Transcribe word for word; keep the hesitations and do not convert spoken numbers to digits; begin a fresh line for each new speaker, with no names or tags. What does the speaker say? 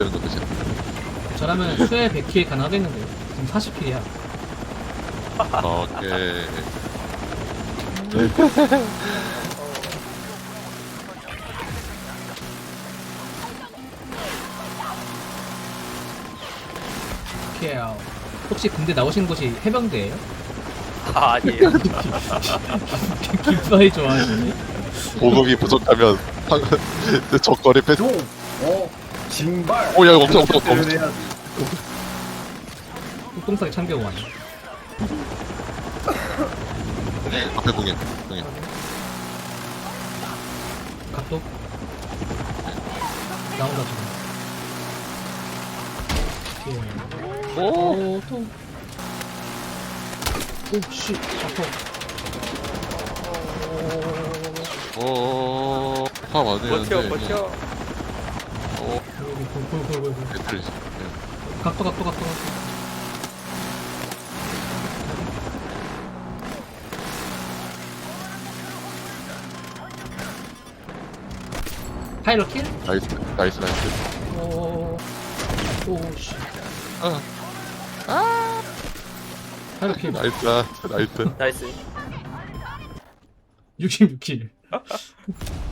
되는 거 그치?
저라면 수에 백 킬 가능하겠는데요. 지금 사십 킬이야.
오케이.
킬. 혹시 군대 나오신 곳이 해병대예요?
아, 아니에요.
깃바이 좋아하시네.
보급이 부족하면 적거리 패스.
종, 어, 징발.
오, 야, 이거 엄청, 엄청, 엄청.
표현해야지.
똥싸게 참겨고 왔네.
앞에 공연, 공연.
각도 나온다 지금. 킬.
오,
오, 또. 오, 씨, 아파.
오, 화 많이
버텨,
했는데.
버텨.
오,
골골골골골.
배틀이.
각도, 각도, 각도, 각도. 파일럿 킬?
나이스, 나이스, 나이스.
오, 오, 씨.
아,
파일럿 킬.
나이스, 나이스.
나이스.
육십육 킬.